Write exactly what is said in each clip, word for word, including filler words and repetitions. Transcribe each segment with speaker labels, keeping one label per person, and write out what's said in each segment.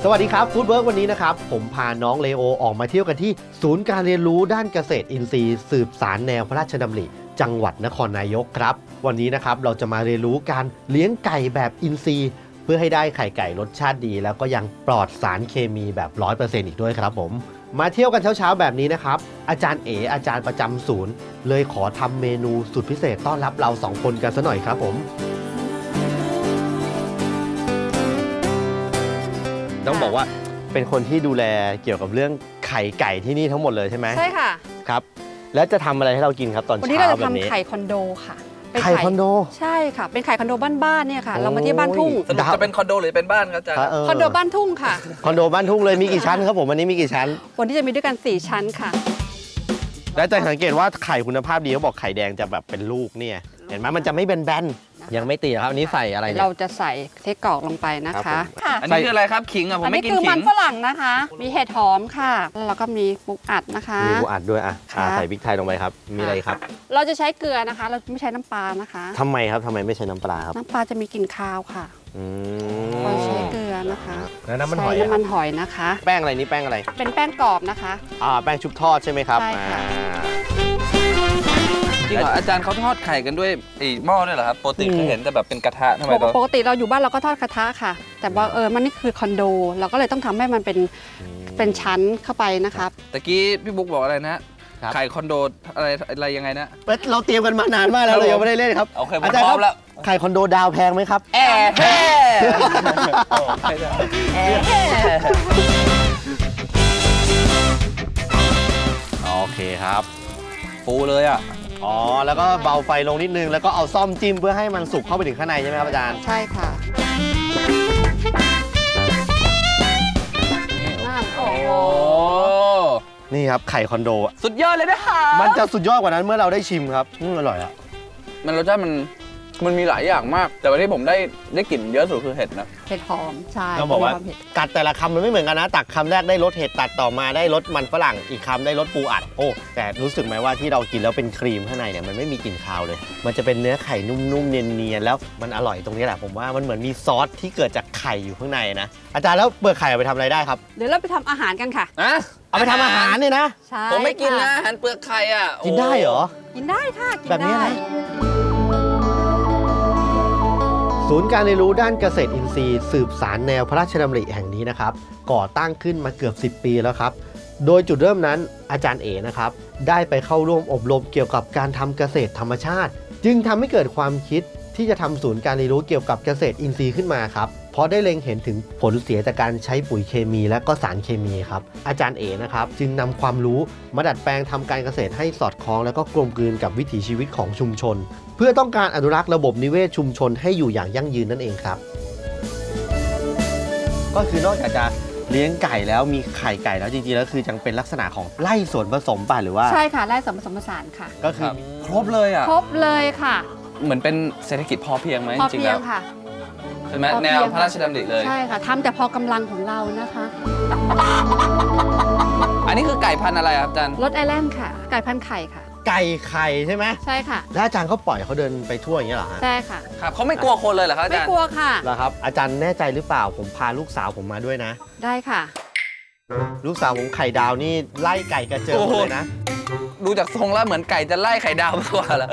Speaker 1: สวัสดีครับฟู้ดเวิร์กวันนี้นะครับผมพาน้องเลโอออกมาเที่ยวกันที่ศูนย์การเรียนรู้ด้านเกษตรอินทรีย์สืบสานแนวพระราชดำริจังหวัดนครนายกครับวันนี้นะครับเราจะมาเรียนรู้การเลี้ยงไก่แบบอินทรีย์เพื่อให้ได้ไข่ไก่รสชาติดีแล้วก็ยังปลอดสารเคมีแบบ ร้อยเปอร์เซ็นต์ อีกด้วยครับผมมาเที่ยวกันเช้าๆแบบนี้นะครับอาจารย์เอ๋อาจารย์ประจำศูนย์เลยขอทำเมนูสุดพิเศษต้อนรับเราสองคนกันซะหน่อยครับผมต้องบอกว่าเป็นคนที่ดูแลเกี่ยวกับเรื่องไข่ไก่ที่นี่ทั้งหมดเลยใช่ไหมใช่ค่ะครับแล้วจะทำอะไรให้เรากินครับตอนเช้าวันนี้เราจะทำไข่คอนโดค่ะไข่คอนโดใช่ค่ะเป็นไข่คอนโดบ้านๆเนี่ยค่ะเรามาที่บ้านทุ่ง
Speaker 2: จะเป็นคอนโดหรือเป็นบ้านครับอาจารย์
Speaker 1: ค
Speaker 2: อน
Speaker 1: โดบ้านทุ่งค่ะคอนโดบ้านทุ่งเลยมีกี่ชั้นครับผมวันนี้มีกี่ชั้น
Speaker 2: วันนี้จะมีด้วยกันสี่ชั้นค่ะ
Speaker 1: และจะสังเกตว่าไข่คุณภาพดีเขาบอกไข่แดงจะแบบเป็นลูกเนี่ยเห็นไหมมันจะไม่แบนๆยังไม่ตีครับอันนี้ใส่อะไรเนี่ย
Speaker 2: เราจะใส่เทกรอกลงไปนะคะ
Speaker 3: อันนี้คืออะไรครับขิงอ่ะผมไม่กินขิง
Speaker 2: อันนี้คือมันฝรั่งนะคะมีเห็ดหอมค่ะแล้วก็มีปูอัดนะคะ
Speaker 1: มีปูอัดด้วยอ่ะใส่พริกไทยลงไปครับมีอะไรครับ
Speaker 2: เราจะใช้เกลือนะคะเราไม่ใช้น้ำปลานะคะ
Speaker 1: ทำไมครับทำไมไม่ใช้น้ำปลาครับ
Speaker 2: น้ำปลาจะมีกลิ่นคาวค่ะเราใช้เกลือนะคะ
Speaker 1: แล้วน้ำมันหอย
Speaker 2: น้ำมันหอยนะคะ
Speaker 1: แป้งอะไรนี่แป้งอะไร
Speaker 2: เป็นแป้งกรอบนะคะ
Speaker 1: อ่าแป้งชุบทอดใช่ไหมครับ
Speaker 2: ใช่ค่ะ
Speaker 3: จริงเหรออาจารย์เขาทอดไข่กันด้วยไอ้หม้อด้วยเหรอครับปกติเคยเห็นแต่แบบเป็นกระทะทำไมเรา
Speaker 2: ปกติเราอยู่บ้านเราก็ทอดกระทะค่ะแต่ว่าเออมันนี่คือคอนโดเราก็เลยต้องทำให้มันเป็นเป็นชั้นเข้าไปนะครับ
Speaker 3: ตะกี้พี่บุ๊กบอกอะไรนะไข่คอนโดอะไรอะไรยังไงนะ
Speaker 1: เราเตรียมกันมานานมากแล้วเรายังไม่ได้เล่นครับ
Speaker 3: อาจารย์ครับ
Speaker 1: ไข่คอนโดดาวแพงไหมครับ
Speaker 3: แอะแฮ่
Speaker 1: โอเคครับ
Speaker 3: ฟูเลยอ่ะ
Speaker 1: อ๋อแล้วก็เบาไฟลงนิดนึงแล้วก็เอาซ่อมจิ้มเพื่อให้มันสุกเข้าไปถึงข้างในใช่ไหมครับอาจารย์
Speaker 2: ใช่ค่ะ
Speaker 3: โอ้
Speaker 1: นี่ครับไข่คอนโด
Speaker 3: สุดยอดเลยนะคะ
Speaker 1: มันจะสุดยอดกว่านั้นเมื่อเราได้ชิมครับอืมอร่อยอ่ะ
Speaker 3: มันรสชาติมันมันมีหลายอย่างมากแต่วันที่ผมได้ได้กลิ่นเยอะสุดคือเห็ดนะ
Speaker 2: เห็ดหอมใช่
Speaker 1: ต้องบอกว่ากัดแต่ละคำมันไม่เหมือนกันนะตักคำแรกได้รสเห็ดตัดต่อมาได้รสมันฝรั่งอีกคำได้รสปูอัดโอ้แต่รู้สึกไหมว่าที่เรากินแล้วเป็นครีมข้างในเนี่ยมันไม่มีกลิ่นคาวเลยมันจะเป็นเนื้อไข่นุ่มๆเนียนๆแล้วมันอร่อยตรงนี้แหละผมว่ามันเหมือนมีซอสที่เกิดจากไข่อยู่ข้างในนะอาจารย์แล้วเปลือกไข่เอาไปทำอะไรได้ครับ
Speaker 2: เดี๋ยวเราไปทำอาหารกันค่ะ
Speaker 3: อะ
Speaker 1: เอาไปทำอาหารเนี่ยนะ
Speaker 2: ใช่
Speaker 3: ผมไม่กินนะอาหารเปลือกไข่อ่ะ
Speaker 1: กินได้เหรอ
Speaker 2: กินได้ค่ะกินได้
Speaker 1: แบบนี้นะศูนย์การเรียนรู้ด้านเกษตรอินทรีย์สืบสารแนวพระราชดำริแห่งนี้นะครับก่อตั้งขึ้นมาเกือบสิบปีแล้วครับโดยจุดเริ่มนั้นอาจารย์เอ๋นะครับได้ไปเข้าร่วมอบรมเกี่ยวกับการทำเกษตรธรรมชาติจึงทำให้เกิดความคิดที่จะทำศูนย์การเรียนรู้เกี่ยวกับเกษตรอินทรีย์ขึ้นมาครับเพราะได้เล็งเห็นถึงผลเสียจากการใช้ปุ๋ยเคมีและก็สารเคมีครับอาจารย์เอ๋นะครับจึงนำความรู้มาดัดแปลงทำการเกษตรให้สอดคล้องและก็กลมกลืนกับวิถีชีวิตของชุมชนเพื่อต้องการอนุรักษ์ระบบนิเวศชุมชนให้อยู่อย่างยั่งยืนนั่นเองครับก็คือนอกจากจะเลี้ยงไก่แล้วมีไข่ไก่แล้วจริงๆแล้วคือจังเป็นลักษณะของไร่สวนผสมป่ะหรือว่า
Speaker 2: ใช่ค่ะไร่สวนผสมผสานค่ะ
Speaker 1: ก็คือ
Speaker 3: ครบเลยอ่ะ
Speaker 2: ครบเลยค่ะ
Speaker 3: เหมือนเป็นเศรษฐกิจพอเพียงไหมจริงๆแล้ว
Speaker 2: ค่ะ
Speaker 3: ใช่ไหมแนวพระราชดำริเลย
Speaker 2: ใช่ค่ะทำแต่พอกำลังของเรานะคะ
Speaker 3: อันนี้คือไก่พันธุ์อะไรครับอาจารย์
Speaker 2: รสไอแลนด์ค่ะไก่พันธุ์ไข่ค่ะ
Speaker 1: ไก่ไข่ใช่ไหม
Speaker 2: ใช่ค่ะ
Speaker 1: แล้วอาจารย์เขาปล่อยเขาเดินไปทั่วอย่างนี้เหรอฮะ
Speaker 2: ใช่ค่ะ
Speaker 3: ครับเขาไม่กลัวคนเลยเหรอครับอาจารย์
Speaker 2: ไม่กลัวค่ะ
Speaker 1: เหรอครับอาจารย์แน่ใจหรือเปล่าผมพาลูกสาวผมมาด้วยนะ
Speaker 2: ได้ค่ะ
Speaker 1: ลูกสาวผมไข่ดาวนี่ไล่ไก่กระเจิงเลยนะ
Speaker 3: ดูจากทรงแล้วเหมือนไก่จะไล่ไข่ดาวมากกว่าแล้ว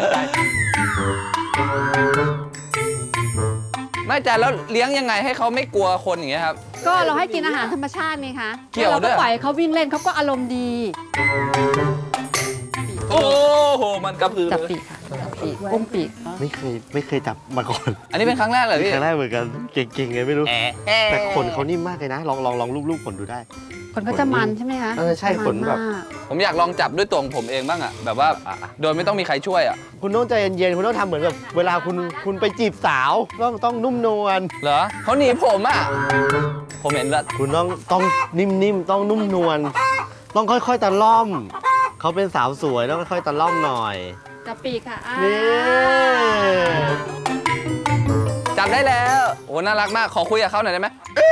Speaker 3: ไม่อาจารย์แล้วเลี้ยงยังไงให้เขาไม่กลัวคนอย่างเงี้ยครับ
Speaker 2: ก็เราให้กินอาหารธรรมชาตินี่คะ
Speaker 3: เกี่ยวด้วย
Speaker 2: เราก็ปล่อยเขาวิ่งเล่นเขาก็อารมณ์ดี
Speaker 3: โอ้โหมันกระพือ
Speaker 2: จับปีกค่ะจับปีกอุ้มปีก
Speaker 1: ไม่เคยไม่เคยจับมาก่อน
Speaker 3: อันนี้เป็นครั้งแรกเลยพี่
Speaker 1: ครั้งแรกเหมือนกันเก่งๆไงไม่รู้แต่ขนเขานิ่มมากเลยนะลองลองลองรูปๆขนดูได้
Speaker 2: ขนก็จะมันใช่ไหมคะ
Speaker 1: เออใช่ขนแบบ
Speaker 3: ผมอยากลองจับด้วยตัวของผมเองบ้างอะแบบว่าโดยไม่ต้องมีใครช่วยอะ
Speaker 1: คุณต้องใจเย็นๆคุณต้องทำเหมือนแบบเวลาคุณคุณไปจีบสาวต้องต้องนุ่มนวล
Speaker 3: เหรอเขาหนีผมอะผมเห็นแล้ว
Speaker 1: คุณต้องต้องนิ่มๆต้องนุ่มนวลต้องค่อยๆตะล่อมเขาเป็นสาวสวยต้องค่อยๆตะล่อมหน่อย
Speaker 2: จับปีกค่ะ
Speaker 1: นี่
Speaker 3: จับได้แล้วโอ้น่ารักมากขอคุยกับเขาหน่อยได้ไหม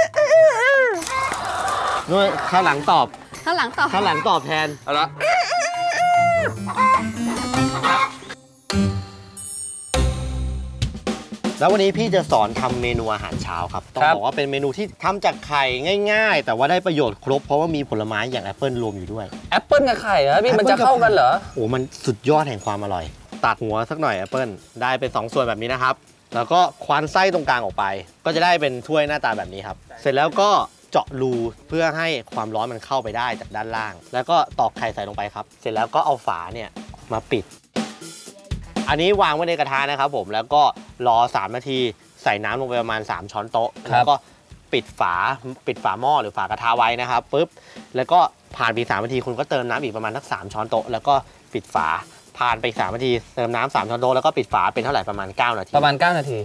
Speaker 1: นู่นข้างหลังตอบ
Speaker 2: ข้างหลังตอบ
Speaker 1: ข้างหลังตอบแทน
Speaker 3: เอาละ
Speaker 1: แล้ววันนี้พี่จะสอนทำเมนูอาหารเช้าครับต้องบอกว่าเป็นเมนูที่ทำจากไข่ง่ายๆแต่ว่าได้ประโยชน์ครบเพราะว่ามีผลไม้อย่างแอปเปิลรวมอยู่ด้วย
Speaker 3: แอปเปิลกับไข่เหรอพี่มันจะเข้ากันเหรอ
Speaker 1: โอ้มันสุดยอดแห่งความอร่อยตัดหัวสักหน่อยแอปเปิลได้เป็นสองส่วนแบบนี้นะครับแล้วก็ควานไส้ตรงกลางออกไปก็จะได้เป็นถ้วยหน้าตาแบบนี้ครับเสร็จแล้วก็เจาะรูเพื่อให้ความร้อนมันเข้าไปได้จากด้านล่างแล้วก็ตอกไข่ใส่ลงไปครับเสร็จแล้วก็เอาฝาเนี่ยมาปิดอันนี้วางไว้ในกระทะนะครับผมแล้วก็รอสามนาทีใส่น้ำลงไปประมาณสามช้อนโต๊ะแล้วก็ปิดฝาปิดฝาหม้อหรือฝากระทะไว้นะครับปุ๊บแล้วก็ผ่านไปสามนาทีคุณก็เติมน้ำอีกประมาณสักสามช้อนโต๊ะแล้วก็ปิดฝาผ่านไปสามนาทีเติมน้ำสามช้อนโต๊ะแล้วก็ปิดฝาเป็นเท่าไหร่ประมาณเก้านาที
Speaker 3: ประมาณเก้านาที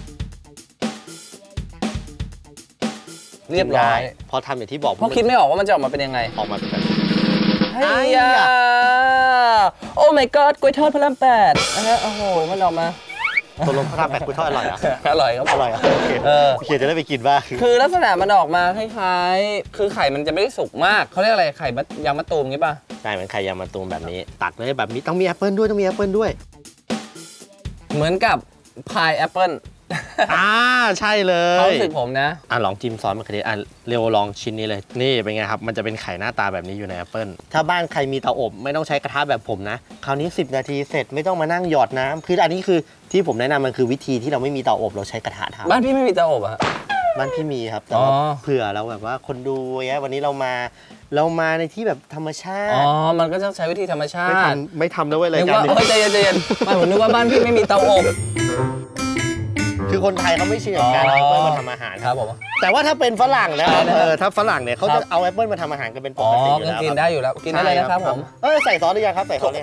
Speaker 3: เรียบร้อย
Speaker 1: พอทำอย่างที่บอก
Speaker 3: เพราะคิดไม่ออกว่ามันจะออกมาเป็นยังไง
Speaker 1: ออกมาเป็นแบบ
Speaker 3: ไอ้ยาโอ้ my god กล้วยทอดพระรามแปดนะฮะโอ้โหมันออกมา
Speaker 1: ตัวลมพระรามแปดกล้วยทอดอร่อยอ่ะ
Speaker 3: อร่อยครับ
Speaker 1: อร่อยอ่ะโอเคเออโอเคจะได้ไปกินบ้าง
Speaker 3: คือลักษณะมันออกมาคล้ายๆคือไข่มันจะไม่ได้สุกมากเขาเรียกอะไรไข่ยางมะตูมงี้ป่ะ
Speaker 1: ใช่เหมือนไข่ยางมะตูมแบบนี้ตักเลยแบบนี้ต้องมีแอปเปิลด้วยต้องมีแอปเปิลด้วย
Speaker 3: เหมือนกับพายแอปเปิล
Speaker 1: อ่าใช่เลย
Speaker 3: ความรู้สึกผมนะ
Speaker 1: อ่ะลองจิ้มซอสมะเขือเทศอ่ะเร็วลองชิ้นนี้เลยนี่เป็นไงครับมันจะเป็นไข่หน้าตาแบบนี้อยู่ในแอปเปิลถ้าบ้านใครมีเตาอบไม่ต้องใช้กระทะแบบผมนะคราวนี้สิบนาทีเสร็จไม่ต้องมานั่งหยอดน้ำคืออันนี้คือที่ผมแนะนำมันคือวิธีที่เราไม่มีเตาอบเราใช้กระทะทำ
Speaker 3: บ้านพี่ไม่มีเตาอบอะ
Speaker 1: บ้านพี่มีครับแต่ว่าเผื่อเราแบบว่าคนดูเงี้ยวันนี้เรามาเรามาในที่แบบธรรมชาติ
Speaker 3: อ๋อมันก็ต้องใช้วิธีธรรมชาติ
Speaker 1: ไม่ทำไม่ทำนะเว้ยรายการ
Speaker 3: นี้ใจเย็นใจเย็นไม่ผมนึกว่าบ้านพี่ไม่มีเตาอบ
Speaker 1: คือคนไทยเขาไม่ชินกับการเอาแอปเปิลมาทำอาหาร
Speaker 3: ครับผม
Speaker 1: แต่ว่าถ้าเป็นฝรั่งแล้วเออถ้าฝรั่งเนี่ยเขาจะเอาแอปเปิลมาทำอาหารกันเป็นปกติอยู่แล้ว
Speaker 3: กินได้อยู่แล้วกินได้เลยนะครับผม
Speaker 1: เออใส่ซอสหรือยังครับใส่ซอสเลย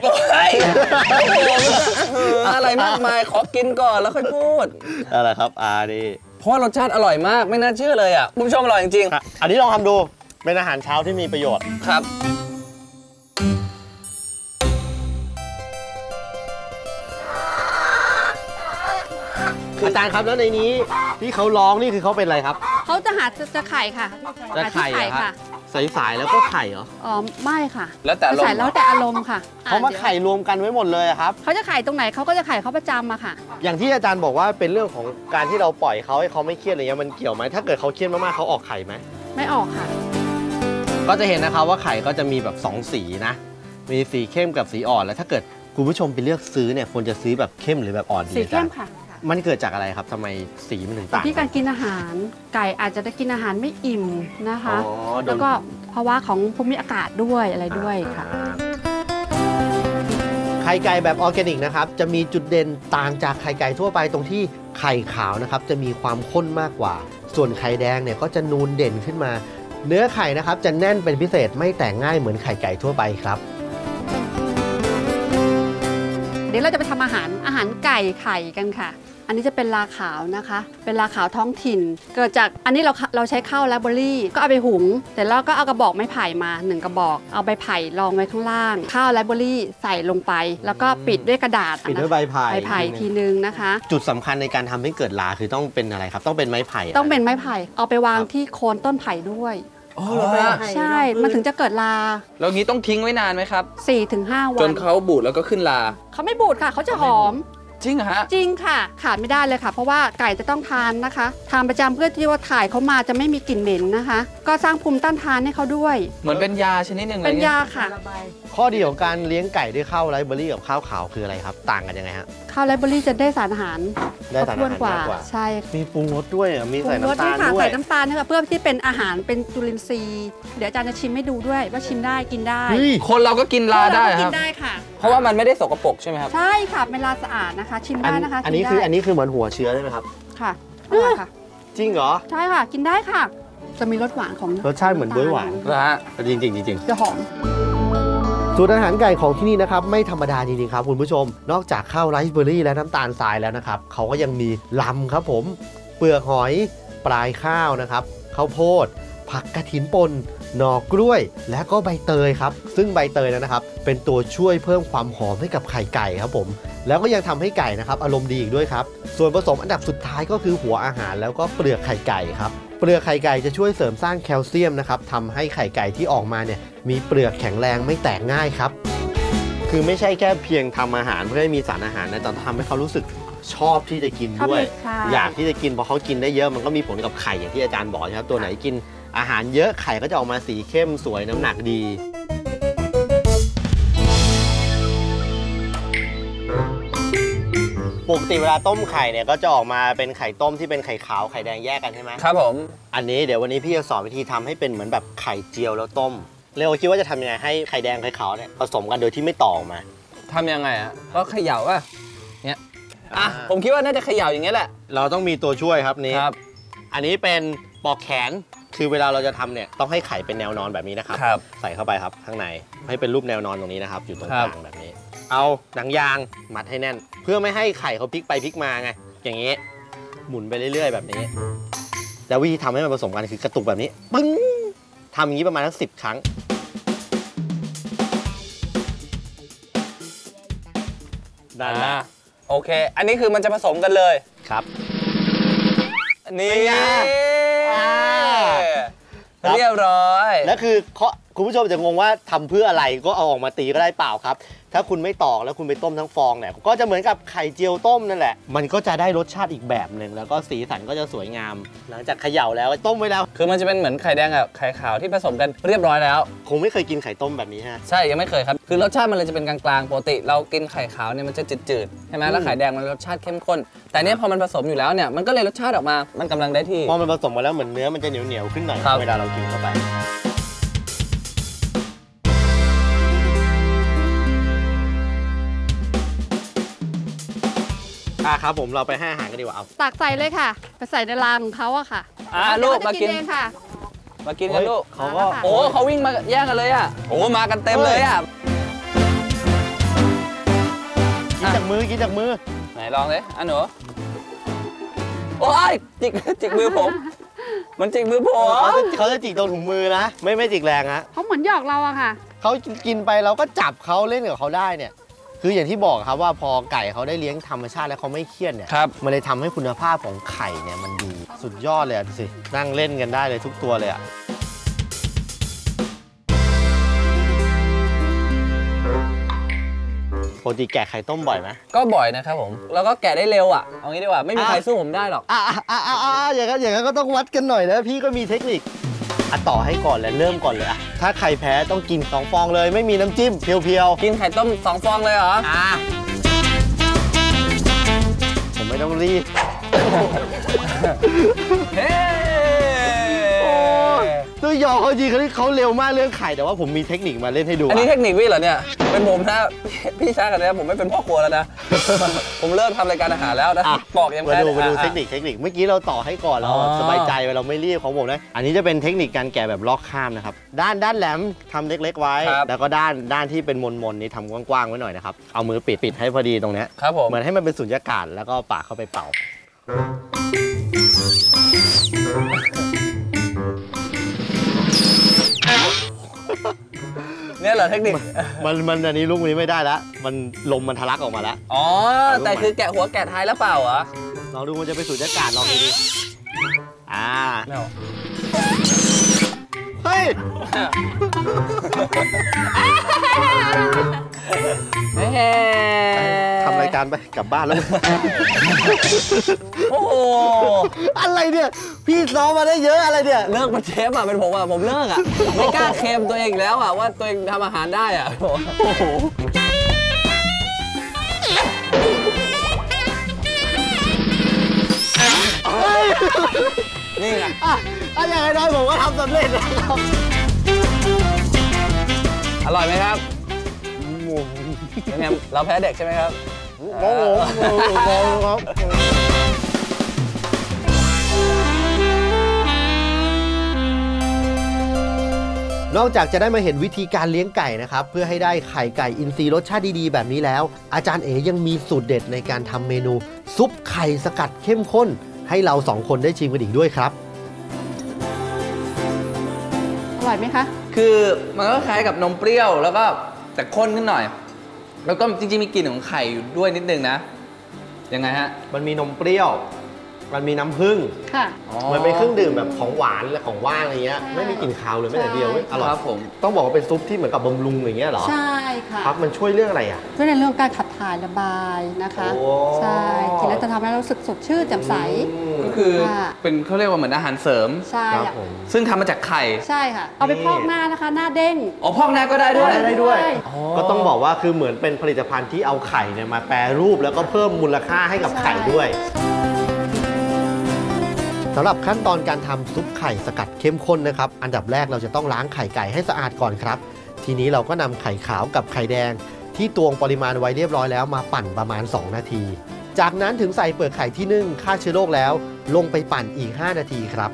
Speaker 3: อะไรมากมายขอกินก่อนแล้วค่อยพูด
Speaker 1: อะไรครับอ่าดี
Speaker 3: เพราะรสชาติอร่อยมากไม่น่าเชื่อเลยอ่ะคุณผู้ชมอร่อยจริง
Speaker 1: ๆอันนี้ลองทำดูเป็นอาหารเช้าที่มีประโยชน์
Speaker 3: ครับ
Speaker 1: อาจารย์ครับแล้วในนี้ที่เขาร้องนี่คือเขาเป็นอะไรครับ
Speaker 2: เขาจะหาจะไข่ค่ะ
Speaker 1: จะไข่ค่ะใส่สายแล้วก็ไข่เหรอ
Speaker 2: อ๋อไม่ค่ะ
Speaker 3: แล้วแต่
Speaker 2: ใส่แล้วแต่อารมณ์ค่ะ
Speaker 1: เขามาไข่รวมกันไว้หมดเลยครับ
Speaker 2: เขาจะไข่ตรงไหนเขาก็จะไข่เขาประจำอะค่ะ
Speaker 1: อย่างที่อาจารย์บอกว่าเป็นเรื่องของการที่เราปล่อยเขาให้เขาไม่เครียดอะไรเงี้ยมันเกี่ยวไหมถ้าเกิดเขาเครียดมากๆเขาออกไข่ไหม
Speaker 2: ไม่ออกค่ะ
Speaker 1: ก็จะเห็นนะครับว่าไข่ก็จะมีแบบสองสีนะมีสีเข้มกับสีอ่อนแล้วถ้าเกิดคุณผู้ชมไปเลือกซื้อเนี่ยควรจะซื้อแบบเข้มหรือแบบอ่อนดี
Speaker 2: สีเข้มค่ะ
Speaker 1: มันเกิดจากอะไรครับทำไมสีมันถึงต่าง
Speaker 2: ที่การกินอาหารไก่อาจจะได้กินอาหารไม่อิ่มนะคะแล้วก็ภาวะของภูมิอากาศด้วยอะไรด้วยค่ะ
Speaker 1: ไข่ไก่แบบออร์แกนิกนะครับจะมีจุดเด่นต่างจากไข่ไก่ทั่วไปตรงที่ไข่ขาวนะครับจะมีความข้นมากกว่าส่วนไข่แดงเนี่ยก็จะนูนเด่นขึ้นมาเนื้อไข่นะครับจะแน่นเป็นพิเศษไม่แตกง่ายเหมือนไข่ไก่ทั่วไปครับ
Speaker 2: เดี๋ยวเราจะไปทำอาหารอาหารไก่ไข่กันค่ะอันนี้จะเป็นลาขาวนะคะเป็นลาขาวท้องถิ่นเกิดจากอันนี้เราเราใช้ข้าวแลบเบอรี่ก็เอาไปหุงแต่แล้วก็เอากระบอกไม้ไผ่มาหนึ่งกระบอกเอาใบไผ่รองไว้ข้างล่างข้าวแลบเบอรี่ใส่ลงไปแล้วก็ปิดด้วยกระดาษ
Speaker 1: ปิดด้วยใบไผ่
Speaker 2: ใบไผ่ทีนึงนะคะ
Speaker 1: จุดสำคัญในการทำให้เกิดลาคือต้องเป็นอะไรครับต้องเป็นไม้ไผ่
Speaker 2: ต้องเป็นไม้ไผ่เอาไปวางที่โคนต้นไผ่ด้วย
Speaker 3: อ๋อเหรอ
Speaker 2: ใช่มันถึงจะเกิดลา
Speaker 3: แล้วงี้ต้องทิ้งไว้นานไหมครับ
Speaker 2: สี่ถึงห้า วัน
Speaker 3: จนเขาบูดแล้วก็ขึ้นลา
Speaker 2: เขาไม่บูดค่ะเขาจะหอม
Speaker 3: จริงเหรอฮะ
Speaker 2: จริงค่ะขาดไม่ได้เลยค่ะเพราะว่าไก่จะต้องทานนะคะทานประจำเพื่อที่ว่าถ่ายเขามาจะไม่มีกลิ่นเหม็นนะคะก็สร้างภูมิต้านทานให้เขาด้วย
Speaker 3: เหมือนเป็นยาชนิดหนึ่งเลย
Speaker 2: เป็นยาค่ะ
Speaker 1: ข้อดีของการเลี้ยงไก่ด้วยข้าวไรซ์เบอรี่กับข้าวขาวคืออะไรครับต่างกันยังไงฮะ
Speaker 2: ข้าวไรซ์เบอรี่จะได้สารอาหาร
Speaker 1: ได้สารอาหาร
Speaker 2: กว่าใช่
Speaker 1: มีปรุงรสด้วยมีใส่น้ำตาลด้วย
Speaker 2: ใส่น้ำตาลนะคะเพื่อที่เป็นอาหารเป็นจุลินทรีย์เดี๋ยวอาจารย์จะชิมให้ดูด้วยว่าชิมได้กินได้
Speaker 3: คนเราก็กินลาได้ครับ
Speaker 2: กินได้ค่ะ
Speaker 3: เพราะว่ามันไม่ได้สกปรกใช่ไหมครับ
Speaker 2: ใช่ค่ะเป็นลาสะอาดนะคะชิมได้นะคะ
Speaker 1: อันนี้คืออันนี้คือเหมือนหัวเชื้อใช่ไหมครับ
Speaker 2: ค่ะอร่อยค่ะ
Speaker 1: จริงเหรอ
Speaker 2: ใช่ค่ะกินได้ค่ะจะมีรสหวานของ
Speaker 1: รสชาติเหมือนบ๊วยหวาน
Speaker 3: นะฮะ
Speaker 1: จริงจริงจริง
Speaker 2: จะหอม
Speaker 1: สูตรอาหารไก่ของที่นี่นะครับไม่ธรรมดาจริงๆครับคุณผู้ชมนอกจากข้าวไรซ์เบอร์รี่และน้ำตาลทรายแล้วนะครับเขาก็ยังมีลำครับผมเปลือกหอยปลายข้าวนะครับข้าวโพดผักกระถินป่นหน่อกล้วยและก็ใบเตยครับซึ่งใบเตยนะครับเป็นตัวช่วยเพิ่มความหอมให้กับไข่ไก่ครับผมแล้วก็ยังทำให้ไก่นะครับอารมณ์ดีอีกด้วยครับส่วนผสมอันดับสุดท้ายก็คือหัวอาหารแล้วก็เปลือกไข่ไก่ครับเปลือกไข่ไก่จะช่วยเสริมสร้างแคลเซียมนะครับทำให้ไข่ไก่ที่ออกมาเนี่ยมีเปลือกแข็งแรงไม่แตกง่ายครับคือไม่ใช่แค่เพียงทำอาหารเพื่อให้มีสารอาหารนะแต่ทำให้เขารู้สึกชอบที่จะกินด้วย
Speaker 2: ชอบเลยค่ะ
Speaker 1: อยากที่จะกินเพราะเขากินได้เยอะมันก็มีผลกับไข่อย่างที่อาจารย์บอกนะครับตัวไหนกินอาหารเยอะไข่ก็จะออกมาสีเข้มสวยน้ำหนักดีปกติเวลาต้มไข่เนี่ยก็จะออกมาเป็นไข่ต้มที่เป็นไข่ขาวไข่แดงแยกกันใช่ไหม
Speaker 3: ครับผม
Speaker 1: อันนี้เดี๋ยววันนี้พี่จะสอนวิธีทำให้เป็นเหมือนแบบไข่เจียวแล้วต้มเร็วคิดว่าจะทำยังไงให้ไข่แดงไข่ขาวเนี่ยผสมกันโดยที่ไม่ต่อออกมา
Speaker 3: ทำยังไงอ่ะก็เขย่าอ่ะเนี่ยอ่ะผมคิดว่าน่าจะเขย่าอย่างเงี้ยแหละ
Speaker 1: เราต้องมีตัวช่วยครับนี่
Speaker 3: ครับ
Speaker 1: อันนี้เป็นปอกแขนคือเวลาเราจะทำเนี่ยต้องให้ไข่เป็นแนวนอนแบบนี้นะครับ
Speaker 3: ครับ
Speaker 1: ใส่เข้าไปครับข้างในให้เป็นรูปแนวนอนตรงนี้นะครับอยู่ตรง
Speaker 3: ครั
Speaker 1: ก
Speaker 3: บ
Speaker 1: ลางแบบนี้ เอาหนังยางมัดให้แน่น เพื่อไม่ให้ไข่เขาพลิกไปพลิกมาไงอย่างนี้หมุนไปเรื่อยๆแบบนี้แล้ววิธีทำให้มันผสมกันคือกระตุกแบบนี้ปึ้งทำอย่างนี้ประมาณสักสิบครั้งได้แล้ว
Speaker 3: อ่าโอเค อันนี้คือมันจะผสมกันเลย
Speaker 1: ครับ
Speaker 3: นี่
Speaker 1: เป็นไงอ่า
Speaker 3: เรียบร้อย
Speaker 1: แล้วคือเขาคุณผู้ชมจะงงว่าทำเพื่ออะไรก็เอาออกมาตีก็ได้เปล่าครับ ถ้าคุณไม่ตอกแล้วคุณไปต้มทั้งฟองเนี่ยก็จะเหมือนกับไข่เจียวต้มนั่นแหละ มันก็จะได้รสชาติอีกแบบหนึ่งแล้วก็สีสันก็จะสวยงาม หลังจากเขย่าแล้วต้มไว้แล้ว
Speaker 3: คือมันจะเป็นเหมือนไข่แดงกับไข่ขาวที่ผสมกันเรียบร้อยแล้ว
Speaker 1: คงไม่เคยกินไข่ต้มแบบนี้ฮะ
Speaker 3: ใช่ยังไม่เคยครับคือรสชาติมันเลยจะเป็นกลางๆปกติเรากินไข่ขาวเนี่ยมันจะจืดๆใช่ไหมแล้วไข่แดงมันรสชาติเข้มข้นแต่เนี้ยพอมันผสมอยู่แล้วเนี่ยมันก็เลยรสชาติออกมามันกำลังได้ที่
Speaker 1: พอมันผสมมาแล้วเหมือนเนื้อมันจะเหนียวเหนียวๆขึ้นหน่อย
Speaker 3: ครับ
Speaker 1: เวลาเรากินเข้าไปอ่ะครับผมเราไปให้อาหารกันดีกว่าเอา
Speaker 2: ตักใส่เลยค่ะ ไปใส่ในรางของเขาอะค่ะ
Speaker 3: อ่ะลูกมากิน
Speaker 2: เดี๋ยวเขจะเองค่ะ
Speaker 3: มากินกันลูก
Speaker 1: เขาก็
Speaker 2: ค่ะ
Speaker 3: โอ้เขาวิ่งมาแย่งกันเลยอ่ะโอ้มากันเต็มเลยอ่ะ
Speaker 1: กินจากมือกินจากมือ
Speaker 3: ไหนลองเลยอ่ะหนูโอ้ยจิกจิกมือผม มันจิกมือผม
Speaker 1: เขาจะเขาจะจิกตรงถุงมือนะ ไม่ไม่จิกแรงฮะ
Speaker 2: เขาเหมือนหยอกเราอะค่ะ
Speaker 1: เขากินไปเราก็จับเขาเล่นกับเขาได้เนี่ย คืออย่างที่บอกครับว่าพอไก่เขาได้เลี้ยงธรรมชาติแล้วเขาไม่เครียดเนี่ย
Speaker 3: ครับ
Speaker 1: มันเลยทำให้คุณภาพของไข่เนี่ยมันดีสุดยอดเลยอ่ะดูสินั่งเล่นกันได้เลยทุกตัวเลยอ่ะปกติแกะไข่ต้มบ่อยไหม
Speaker 3: ก็บ่อยนะครับผมแล้วก็แกะได้เร็วอ่ะเอางี้ดีกว่าไม่มีใครสู้ผมได้หรอก
Speaker 1: อ่ะอ่ะอ่ะอ่ะอ่ะอย่างนั้นอย่างนั้นก็ต้องวัดกันหน่อยนะพี่ก็มีเทคนิคอ่ะต่อให้ก่อนเลยเริ่มก่อนเลยอ่ะถ้าใครแพ้ต้องกินสองฟองเลยไม่มีน้ำจิ้มเพียวๆ
Speaker 3: กินไข่ต้มสองฟองเลยเหรอ
Speaker 1: อ่ะผมไม่ต้องรีบ
Speaker 3: เฮ้
Speaker 1: ตัวยอเขาจริงเขาเขาเร็วมากเรื่องไข่แต่ว่าผมมีเทคนิคมาเล่นให้ดู
Speaker 3: อันนี้
Speaker 1: อ่ะ
Speaker 3: เทคนิคพี่เหรอเนี่ยเป็นผมนะพี่ช้ากันนะผมไม่เป็นพ่อครัวแล้วนะ ผมเริ่มทำรายการอาหารแล้วนะ
Speaker 1: อ่ะ
Speaker 3: บอกยัง
Speaker 1: มา
Speaker 3: แพ้
Speaker 1: ดูมาดู
Speaker 3: อ่ะ
Speaker 1: เทคนิคเทคนิคเมื่อกี้เราต่อให้ก่อนเรา
Speaker 3: อ๋อ
Speaker 1: สบายใจเราไม่รีบของผมนะอันนี้จะเป็นเทคนิคการแกะแบบลอกข้ามนะครับด้านด้านแหลมทำเล็กๆไว้ แล้วก็ด้านด้านที่เป็นมนๆนี้ทำกว้างๆไว้หน่อยนะครับเอามือปิดปิดให้พอดีตรงเนี้ย
Speaker 3: ครับผม
Speaker 1: เหมือนให้มันเป็นสุญญากาศแล้วก็ปากเข้าไปเป่า
Speaker 3: เนี่ยเหรอเทคนิค
Speaker 1: มันมันอันนี้ลูกนี้ไม่ได้แล้วมันลมมันทะลักออกมาแล้ว
Speaker 3: อ๋อแต่คือแกะหัวแกะท้ายแล้วเปล่าเหรอ
Speaker 1: ลองดูมันจะเป็นสุญญากาศลองดูดิอ่า
Speaker 3: ไม่เอา
Speaker 1: เฮ้ย
Speaker 3: เฮ้
Speaker 1: ทำรายการไปกลับบ้านแล้ว
Speaker 3: โอ้โห
Speaker 1: อะไรเนี่ยพี่ซ้อมมาได้เยอะอะไรเนี่ย
Speaker 3: เลิกเป็นเชฟอ่ะเป็นผมอ่ะผมเลิกอ่ะไม่กล้าเคลมตัวเองอีกแล้วอ่ะว่าตัวเองทำอาหารได้อ่ะ
Speaker 1: โอ้โห
Speaker 3: นี่ไง
Speaker 1: อ่ะอ่ะอย่างน้อยผมก็ทำสำเร็จแล้วครับ
Speaker 3: อร่อยไหมครับ
Speaker 1: งง
Speaker 3: ยังไงเราแพ้เด็กใช่ไหมครับ
Speaker 1: งงงงงครับนอกจากจะได้มาเห็นวิธีการเลี้ยงไก่นะครับเพื่อให้ได้ไข่ไก่อินทรีย์รสชาติดีๆแบบนี้แล้ว อาจารย์เอ๋ยังมีสูตรเด็ดในการทำเมนูซุปไข่สกัดเข้มข้น ให้เราสองคนได้ชิมกันอีกด้วยครับ
Speaker 2: อร่อยไหมคะ
Speaker 3: คือมันก็คล้ายกับนมเปรี้ยวแล้วก็แต่ข้นขึ้นหน่อย แล้วก็จริงๆมีกลิ่นของไข่อยู่ด้วยนิดนึงนะยังไงฮะ
Speaker 1: มันมีนมเปรี้ยว มันมีน้ำผึ้ง
Speaker 2: ค่ะ
Speaker 1: มันเป็นเครื่องดื่มแบบของหวานและของว่างอะไรเงี้ย
Speaker 2: ใช่
Speaker 1: ไม่มีกลิ่นคาวเลยแม้แต่เดียวเว้ยอร่อย
Speaker 3: ครับผม
Speaker 1: ต้องบอกว่าเป็นซุปที่เหมือนกับบำรุงอย่างเงี้ยเหรอ
Speaker 2: ใช่ค่ะ
Speaker 1: ครับมันช่วยเรื่องอะไรอ่ะ
Speaker 2: ช่วยในเรื่องการขับถ่ายระบายนะคะ
Speaker 1: โอ้
Speaker 2: ใช่กินแล้วจะทำให้เรารู้สึกสดชื่นแจ่มใส
Speaker 3: ก็คือ
Speaker 2: ค่ะ
Speaker 3: เป็นเขาเรียกว่าเหมือนอาหารเสริม
Speaker 2: ใช่
Speaker 1: ครับ
Speaker 2: อะ
Speaker 1: ผม
Speaker 3: ซึ่งทำมาจากไข่
Speaker 2: ใช่ค่ะ เอาไปพอกหน้านะคะ หน้าเด้ง
Speaker 3: อ๋อพอกหน้าก็ได้ด้วย
Speaker 1: ได้ด้วย
Speaker 2: ใช่
Speaker 1: ก็ต้องบอกว่าคือเหมือนเป็นผลิตภัณฑ์ที่เอาไข่เนี่ยมาแปรรูปแล้วก็เพิ่มมูลค่าให้กับไข่ด้วยสำหรับขั้นตอนการทำซุปไข่สกัดเข้มข้นนะครับอันดับแรกเราจะต้องล้างไข่ไก่ให้สะอาดก่อนครับทีนี้เราก็นำไข่ขาวกับไข่แดงที่ตวงปริมาณไว้เรียบร้อยแล้วมาปั่นประมาณสองนาทีจากนั้นถึงใส่เปลือกไข่ที่นึ่งฆ่าเชื้อโรคแล้วลงไปปั่นอีกห้านาทีครับ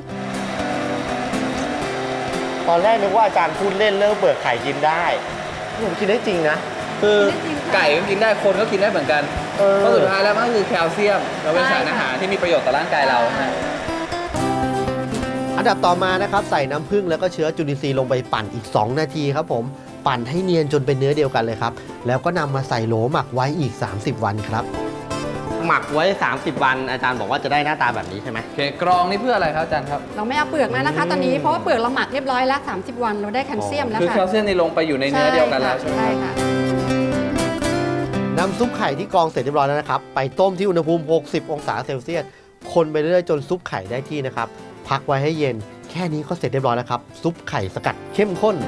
Speaker 1: ตอนแรกนึกว่าอาจารย์พูดเล่นเรื่องเปลือกไข่กินได้ผมกินได้จริงนะ
Speaker 3: คือไก่ก็กินได้คนก็กินได้เหมือนกันเพราะสุดท้ายแล้วมันก็คือแคลเซียมเราเป็นสารอาหารที่มีประโยชน์ต่อร่างกายเรานะ
Speaker 1: อันดับต่อมานะครับใส่น้ำผึ้งแล้วก็เชื้อจุลินทรีย์ลงไปปั่นอีกสองนาทีครับผมปั่นให้เนียนจนเป็นเนื้อเดียวกันเลยครับแล้วก็นำมาใส่โหลหมักไว้อีกสามสิบวันครับหมักไว้สามสิบวันอาจารย์บอกว่าจะได้หน้าตาแบบนี้ใช่ไหมโอ
Speaker 3: เคกรองนี่เพื่ออะไรครับอาจารย์ครับ
Speaker 2: เราไม่เอาเปลือกมานะคะตอนนี้เพราะว่าเปลือกเราหมักเรียบร้อยแล้วสามสิบวันเราได้แคลเซียมแล้วค่ะ
Speaker 3: คือแคลเซียมนี่ลงไปอยู่ในเนื้อเดียวกันแล้วใช่ไหม
Speaker 2: ใช่ค่ะ
Speaker 1: นำซุปไข่ที่กรองเสร็จเรียบร้อยแล้วนะครับไปต้มที่อุณหภูมิหกสิบองศาเซลเซียสคนไปเรื่อยๆจนซุปไข่ได้ที่นะครับพักไว้ให้เย็นแค่นี้ก็เสร็จเรียบร้อยแล้วครับซุปไข่สกัดเข้มข้น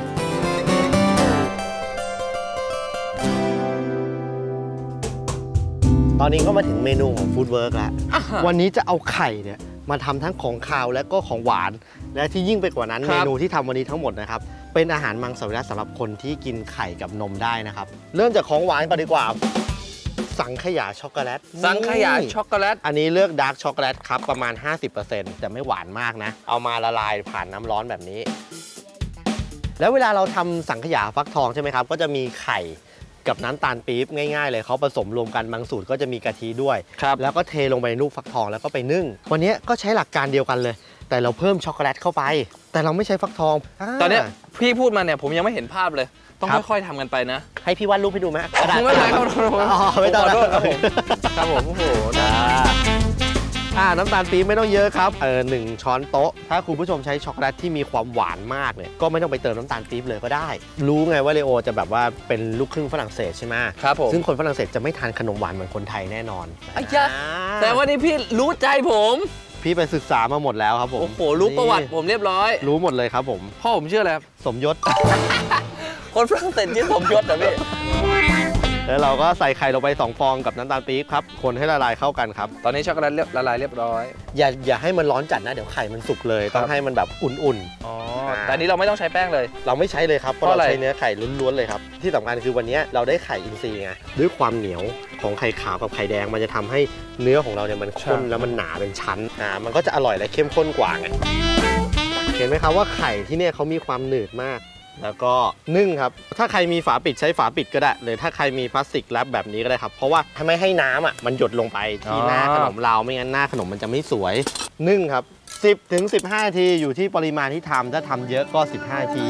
Speaker 1: ตอนนี้ก็มาถึงเมนูของฟู้ดเวิร์กแล้ววันนี้จะเอาไข่เนี่ยมาทำทั้งของคาวและก็ของหวานและที่ยิ่งไปกว่านั้นเมนูที่ทำวันนี้ทั้งหมดนะครับเป็นอาหารมังสวิรัติสำหรับคนที่กินไข่กับนมได้นะครับเริ่มจากของหวานก่อนดีกว่าสังขยาช็อกโกแลต
Speaker 3: สังขยาช็อกโกแลต
Speaker 1: อันนี้เลือกดาร์กช็อกโกแลตครับประมาณ ห้าสิบเปอร์เซ็นต์ แต่ไม่หวานมากนะเอามาละลายผ่านน้ำร้อนแบบนี้แล้วเวลาเราทำสังขยาฟักทองใช่ไหมครับก็จะมีไข่กับน้ำตาลปี๊บง่ายๆเลยเขาผสมรวมกันบางสูตรก็จะมีกะทิด้วยแล้วก็เทลงไปในลูกฟักทองแล้วก็ไปนึ่งวันนี้ก็ใช้หลักการเดียวกันเลยแต่เราเพิ่มช็อกโกแลตเข้าไปแต่เราไม่ใช้ฟักทอง
Speaker 3: ตอนนี้พี่พูดมาเนี่ยผมยังไม่เห็นภาพเลยต้องค่อยๆทำกันไปนะ
Speaker 1: ให้พี่วาดรูปให้ดูไหม
Speaker 3: ไม่เป็นไรครับ
Speaker 1: ไม่ต้อง
Speaker 3: ครับผมครับผมโอ้โห
Speaker 1: อ่าน้ำตาลปี๊บไม่ต้องเยอะครับเออหนึ่งช้อนโต๊ะถ้าคุณผู้ชมใช้ช็อกโกแลตที่มีความหวานมากเนี่ยก็ไม่ต้องไปเติมน้ำตาลปี๊บเลยก็ได้รู้ไงว่าเลโอจะแบบว่าเป็นลูกครึ่งฝรั่งเศสใช่ไหม
Speaker 3: ครับผม
Speaker 1: ซึ่งคนฝรั่งเศสจะไม่ทานขนมหวานเหมือนคนไทยแน่นอน
Speaker 3: ไอ้ยะแต่วันนี้พี่รู้ใจผม
Speaker 1: พี่ไปศึกษามาหมดแล้วครับผม
Speaker 3: โอ้โหรู้ประวัติผมเรียบร้อย
Speaker 1: รู้หมดเลยครับผม
Speaker 3: พ่อผมชื่ออะไรครับ
Speaker 1: สมยศ
Speaker 3: คนฝรั่งเศสชื่อสมยศนะพี่
Speaker 1: แล้วเราก็ใส่ไข่ลงไปสองฟองกับน้ำตาลปี๊บครับคนให้ละลายเข้ากันครับ
Speaker 3: ตอนนี้ช็อกโกแลตละลายเรียบร้อย
Speaker 1: อย่าอย่าให้มันร้อนจัดนะเดี๋ยวไข่มันสุกเลยต้องให้มันแบบอุ่นๆ
Speaker 3: อ๋อแต่นี้เราไม่ต้องใช้แป้งเลย
Speaker 1: เราไม่ใช้เลยครับเพราะเราใช้เนื้อไข่ล้วนๆเลยครับที่สำคัญคือวันนี้เราได้ไข่อินทรีย์ไงด้วยความเหนียวของไข่ขาวกับไข่แดงมันจะทำให้เนื้อของเราเนี่ยมันข้นแล้วมันหนาเป็นชั้นอ่ามันก็จะอร่อยและเข้มข้นกว่าไงเห็นไหมครับว่าไข่ที่เนี่ยเขามีความหนืดมากแล้วก็นึ่งครับถ้าใครมีฝาปิดใช้ฝาปิดก็ได้หรือถ้าใครมีพลาสติกแรปแบบนี้ก็ได้ครับเพราะว่าถ้าไม่ให้น้ำอ่ะมันหยดลงไปที่หน้าขนมเราไม่งั้นหน้าขนมมันจะไม่สวยนึ่งครับสิบถึงสิบห้านาทีอยู่ที่ปริมาณที่ทำถ้าทำเยอะก็สิบห้านาที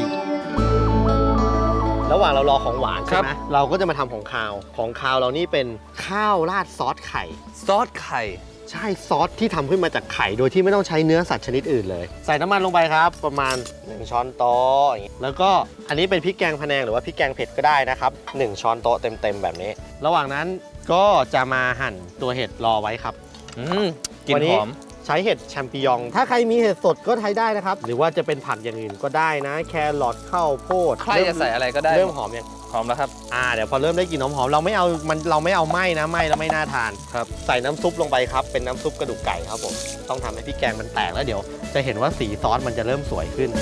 Speaker 1: ระหว่างเรารอของหวานใช่ไหมเราก็จะมาทำของคาวของคาวเรานี่เป็นข้าวราดซอสไข่
Speaker 3: ซอสไข่
Speaker 1: ใช่ซอสที่ทำขึ้นมาจากไข่โดยที่ไม่ต้องใช้เนื้อสัตว์ชนิดอื่นเลยใส่น้ำมันลงไปครับประมาณหนึ่งช้อนโต๊ะอย่างนี้แล้วก็อันนี้เป็นพริกแกงพะแนงหรือว่าพริกแกงเผ็ดก็ได้นะครับหนึ่งช้อนโต๊ะเต็มๆแบบนี้ระหว่างนั้นก็จะมาหั่นตัวเห็ดรอไว้ครับ
Speaker 3: อืมกลิ่นหอม
Speaker 1: ใช้เห็ดแชมปิญองถ้าใครมีเห็ดสดก็ใช้ได้นะครับหรือว่าจะเป็นผักอย่างอื่นก็ได้นะแครอทข้าวโพด
Speaker 3: ใครจะใส่อะไรก็ได้
Speaker 1: เริ่มหอมยัง
Speaker 3: หอมแล้วครับ
Speaker 1: อ่าเดี๋ยวพอเริ่มได้กลิ่นหอมๆเราไม่เอามันเราไม่เอาไหม้นะไหม้แล้วไม่น่าทาน
Speaker 3: ครับ
Speaker 1: ใส่น้ำซุปลงไปครับเป็นน้ำซุปกระดูกไก่ครับผมต้องทำให้พริกแกงมันแตกแล้วเดี๋ยวจะเห็นว่าสีซอสมันจะเริ่มสวยขึ้น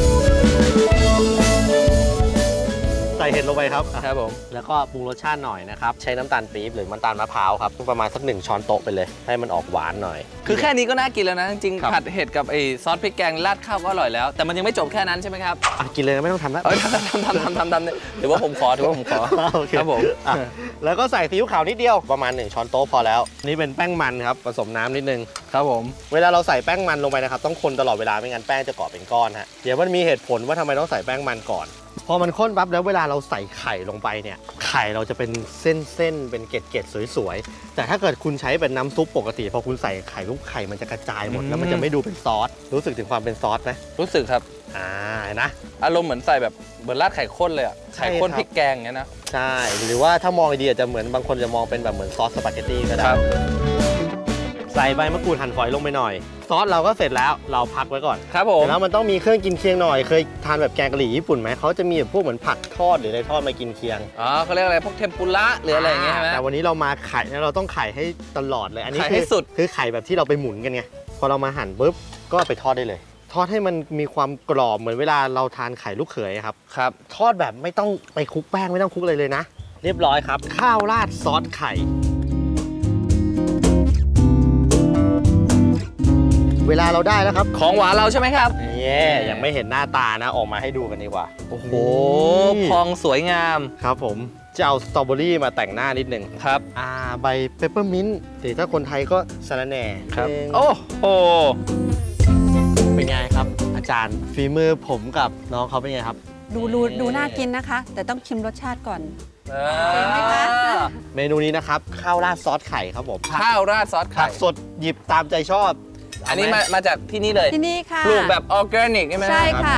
Speaker 1: ใส่เห็ดลงไปครับ
Speaker 3: ครับผม
Speaker 1: แล้วก็ปรุงรสชาติหน่อยนะครับใช้น้ำตาลปี๊บหรือน้ำตาลมะพร้าวครับประมาณสักหนึ่งช้อนโต๊ะไปเลยให้มันออกหวานหน่อย
Speaker 3: คือแค่นี้ก็น่ากินแล้วนะจริงๆผัดเห็ดกับไอ้ซอสพริกแกงราดข้าวก็อร่อยแล้วแต่มันยังไม่จบแค่นั้นใช่ไหมครับ
Speaker 1: กินเลยไม่ต้องทำแล้ว
Speaker 3: ทำทำทำทำทำถือว่าผมขอถือว่าผมขอครับผม
Speaker 1: แล้วก็ใส่ซีอิ๊วขาวนิดเดียวประมาณหนึ่งช้อนโต๊ะพอแล้วนี่เป็นแป้งมันครับผสมน้ำนิดนึง
Speaker 3: ครับผม
Speaker 1: เวลาเราใส่แป้งมันลงไปนะครับต้องคนตลอดเวลาไม่งั้นแป้งจะเกาะเป็นก้อนฮะเดี๋ยวมันมีเหตุผลว่าทำไมต้องใส่แป้งมันก่อนพอมันข้นปั๊บแล้วเวลาเราใส่ไข่ลงไปเนี่ยไข่เราจะเป็นเส้นๆเป็นเกล็ดๆสวยๆแต่ถ้าเกิดคุณใช้เป็นน้ำซุปปกติพอคุณใส่ไข่ลูกไข่มันจะกระจายหมดแล้วมันจะไม่ดูเป็นซอสรู้สึกถึงความเป็นซอสไหม
Speaker 3: รู้สึกครับ
Speaker 1: อ่านะ
Speaker 3: อารมณ์เหมือนใส่แบบเหมือนราดไข่ข้นเลยอ่ะไข่ข้นพริกแกงเงี้ยนะ
Speaker 1: ใช่หรือว่าถ้ามองดีอาจจะเหมือนบางคนจะมองเป็นแบบเหมือนซอสสปาเกตตี้ก็ได้ใส่ใบมะกรูดหั่นฝอยลงไปหน่อยซอสเราก็เสร็จแล้วเราพักไว้ก่อน
Speaker 3: ครับผม
Speaker 1: แล้วมันต้องมีเครื่องกินเคียงหน่อยเคยทานแบบแกงกะหรี่ญี่ปุ่นไหมเขาจะมีแบบพวกเหมือนผักทอดหรืออะไรทอดมากินเคียง
Speaker 3: อ๋อเขาเรียกอะไรพวกเทมปุระหรืออะไรอย่างเงี้ยใช่ไหม
Speaker 1: แต่วันนี้เรามาไข่แล้วเราต้องไข่ให้ตลอดเลยอันนี้
Speaker 3: ไข่
Speaker 1: คื
Speaker 3: ให้สุด
Speaker 1: คือไข่แบบที่เราไปหมุนกันไงพอเรามาหั่นปุ๊บก็ไปทอดได้เลย ทอดให้มันมีความกรอบเหมือนเวลาเราทานไข่ลูกเขยครับ
Speaker 3: ครับ
Speaker 1: ทอดแบบไม่ต้องไปคลุกแป้งไม่ต้องคลุกเลยเลยนะ เรียบร้อยครับ ข้าวราดซอสไข่ เวลาเราได้แล้วครับ
Speaker 3: ของหวานเราใช่ไหมครับ
Speaker 1: เย่ยังไม่เห็นหน้าตานะออกมาให้ดูกันดีกว่าโอ้โห
Speaker 3: โอ้พองสวยงาม
Speaker 1: ครับผมจะเอาสตรอเบอรี่มาแต่งหน้านิดนึง
Speaker 3: ครับ
Speaker 1: อ่าใบเปปเปอร์มินต์หรือถ้าคนไทยก็สะระแหน่
Speaker 3: ครับ
Speaker 1: เอง
Speaker 3: โอ้โห
Speaker 1: เป็นไงครับ อาจารย์ฝีมือผมกับน้องเขาเป็นไงครับ
Speaker 2: ดูดูดูน่ากินนะคะ แต่ต้องชิมรสชาติก่อน
Speaker 3: เอ
Speaker 2: เห็นไหมคะ
Speaker 3: อ
Speaker 1: เมนูนี้นะครับข้าวราดซอสไข่ครับผม
Speaker 3: ข้าวราดซอส
Speaker 1: ผั
Speaker 3: ไข่
Speaker 1: กสดหยิบตามใจชอบ
Speaker 3: อันนี้มามาจากที่นี่เลย
Speaker 2: ที่นี่ค่ะ
Speaker 3: ปลูกแบบออร์แกนิกใช่ไหม
Speaker 2: ใช่ค่ะ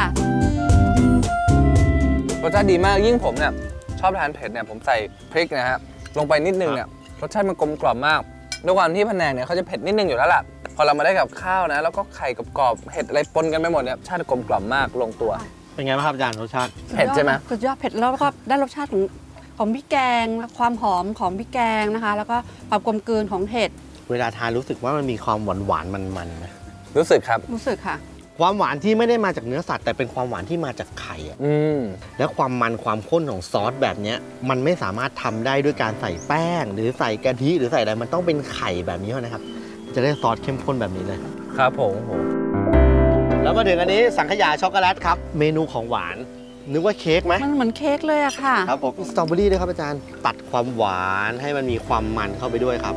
Speaker 3: รสชาติดีมากยิ่งผมเนี่ยชอบทานเผ็ดเนี่ยผมใส่พริกนะฮะลงไปนิดนึงเนี่ยรสชาติมันกลมกล่อมมากด้วยความที่พะแนงเนี่ยเขาจะเผ็ดนิดนึงอยู่แล้วล่ะพอเรามาได้กับข้าวนะแล้วก็ไข่กรอบๆเห็ดอะไรปนกันไปหมดเนี่ยชาติกลมกล่อมมากลงตัว
Speaker 1: เป็นไงบ้างครับอาจารย์รสชาติ
Speaker 3: เผ็ดใช่ไหม
Speaker 2: สุดยอดเผ็ดแล้วก็ได้รสชาติของของพริกแกงความหอมของพริกแกงนะคะ แล้วก็ความกลมกลืนของเห็ด
Speaker 1: เวลาทานรู้สึกว่ามันมีความหวานหวานๆมันๆนะ
Speaker 3: รู้สึกครับ
Speaker 2: รู้สึกค่ะ
Speaker 1: ความหวานที่ไม่ได้มาจากเนื้อสัตว์แต่เป็นความหวานที่มาจากไข่อะ
Speaker 3: อืม
Speaker 1: และความมันความข้นของซอสแบบเนี้ยมันไม่สามารถทำได้ด้วยการใส่แป้ง หรือใส่กะทิหรือใส่อะไรมันต้องเป็นไข่แบบนี้เท่านะครับ จะได้ซอสเข้มข้นแบบนี้เลย
Speaker 3: ครับผมโห
Speaker 1: แล้วมาถึงอันนี้สังขยาช็อกโกแลตครับเมนูของหวานนึกว่าเค้กไหม
Speaker 2: มันเหมือนเค้กเลยอะค่ะ
Speaker 1: ครับผมสตรอเบอรี่ด้วยครับอาจารย์ตัดความหวานให้มันมีความมันเข้าไปด้วยครับ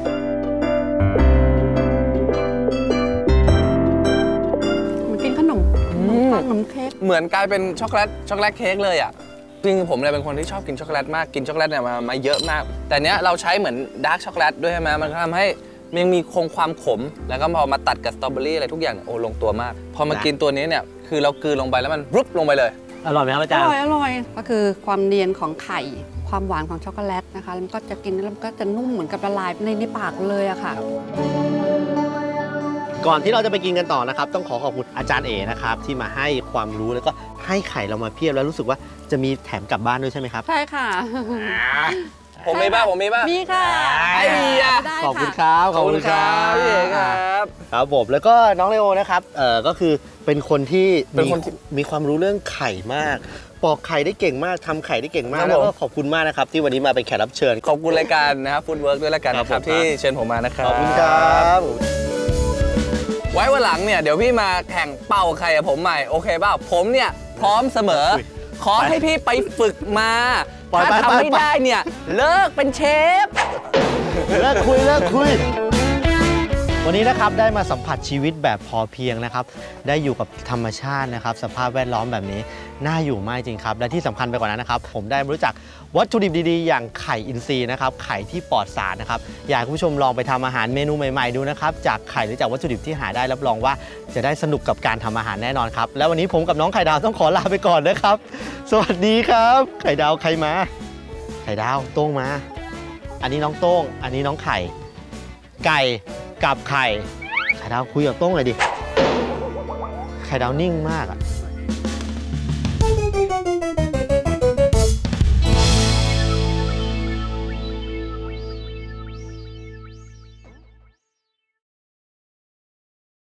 Speaker 2: เหมือนกินขนมขนมปังขนมเค้ก
Speaker 3: เหมือนกลายเป็นช็อกโกแลตช็อกโกแลตเค้กเลยอ่ะจริงๆผมเนี่ยเป็นคนที่ชอบกินช็อกโกแลตมากกินช็อกโกแลตเนี่ยมามาเยอะมาก แต่เนี้ยเราใช้เหมือนดาร์กช็อกโกแลตด้วยใช่ไหมมันก็ทำให้มันยังมีคงความขม แล้วก็พอมาตัดกับสตรอเบอรี่อะไรทุกอย่างเนี่ยโอ้ลงตัวมาก พอมากินตัวนี้เนี่ยคือเรากลืนลงไปแล้วมันรุบลงไปเลย
Speaker 1: อร่อยไหมครับอา
Speaker 2: อ
Speaker 1: จารย์
Speaker 2: ร่อยอร่อยก็คือความเนียนของไข่ ความหวานของช็อกโกแลตนะคะแล้วมันก็จะกินแล้วมันก็จะนุ่มเหมือนกับละลายในในปากเลยอะค่ะ
Speaker 1: ก่อนที่เราจะไปกินกันต่อนะครับต้องขอขอบคุณอาจารย์เอ๋นะครับที่มาให้ความรู้แล้วก็ให้ไข่เรามาเพียบแล้วรู้สึกว่าจะมีแถมกลับบ้านด้วยใช่ไหมครับ
Speaker 2: ใช่ค่ะ
Speaker 3: ผมมีบ้างผมมีบ้าง
Speaker 2: มีค่ะ
Speaker 3: ไอ้เหี้ย
Speaker 2: ได้
Speaker 1: ขอบคุณ
Speaker 2: ค่ะ
Speaker 1: ครับขอบคุณครับ
Speaker 3: พี่เอกครับ
Speaker 1: ครับผมแล้วก็น้องเลโอนะครับเอ่อก็คือเป็นคนที่
Speaker 3: เป็นคนที่
Speaker 1: มีมีความรู้เรื่องไข่มากปอกไข่ได้เก่งมากทำไข่ได้เก่งมาก
Speaker 3: ครับ
Speaker 1: แล้ว
Speaker 3: ผม
Speaker 1: ก็ขอบคุณมากนะครับที่วันนี้มาเป็นแขกรับเชิญ
Speaker 3: ขอบคุณรายการนะครับฟู้ดเวิร์กด้วยรายการ
Speaker 1: ครับ
Speaker 3: นะครับ
Speaker 1: ผม
Speaker 3: ที่เชิญผมมานะครับ
Speaker 1: ขอบคุณครับ
Speaker 3: ไว้วันหลังเนี่ยเดี๋ยวพี่มาแข่งเป่าไข่กับผมใหม่โอเคเปล่าผมเนี่ยพร้อมเสมอ
Speaker 1: อุ๊ย
Speaker 3: ขอให้พี่ไปฝึกมา
Speaker 1: ปล่อย
Speaker 3: ถ้า
Speaker 1: ไป
Speaker 3: ทำ
Speaker 1: ไป
Speaker 3: ไม่ได้เนี่ยเลิกเป็นเชฟ
Speaker 1: เลิกคุยเลิกคุย วันนี้นะครับได้มาสัมผัสชีวิตแบบพอเพียงนะครับได้อยู่กับธรรมชาตินะครับสภาพแวดล้อมแบบนี้น่าอยู่มากจริงครับและที่สำคัญไปกว่านั้นนะครับผมได้รู้จักวัตถุดิบดีๆ อย่างไข่อินทรีย์นะครับไข่ที่ปลอดสารนะครับอยากให้คุณผู้ชมลองไปทำอาหารเมนูใหม่ๆดูนะครับจากไข่หรือจากวัตถุดิบที่หาได้รับรองว่าจะได้สนุกกับการทำอาหารแน่นอนครับแล้ววันนี้ผมกับน้องไข่ดาวต้องขอลาไปก่อนนะครับสวัสดีครับไข่ดาวใครมาไข่ดาวโต้งมา อันนี้น้องโต้งอันนี้น้องไข่ไก่กับไข่ไข่ดาวคุยกับโต้งหน่อยดิไข่ดาวนิ่งมากอะ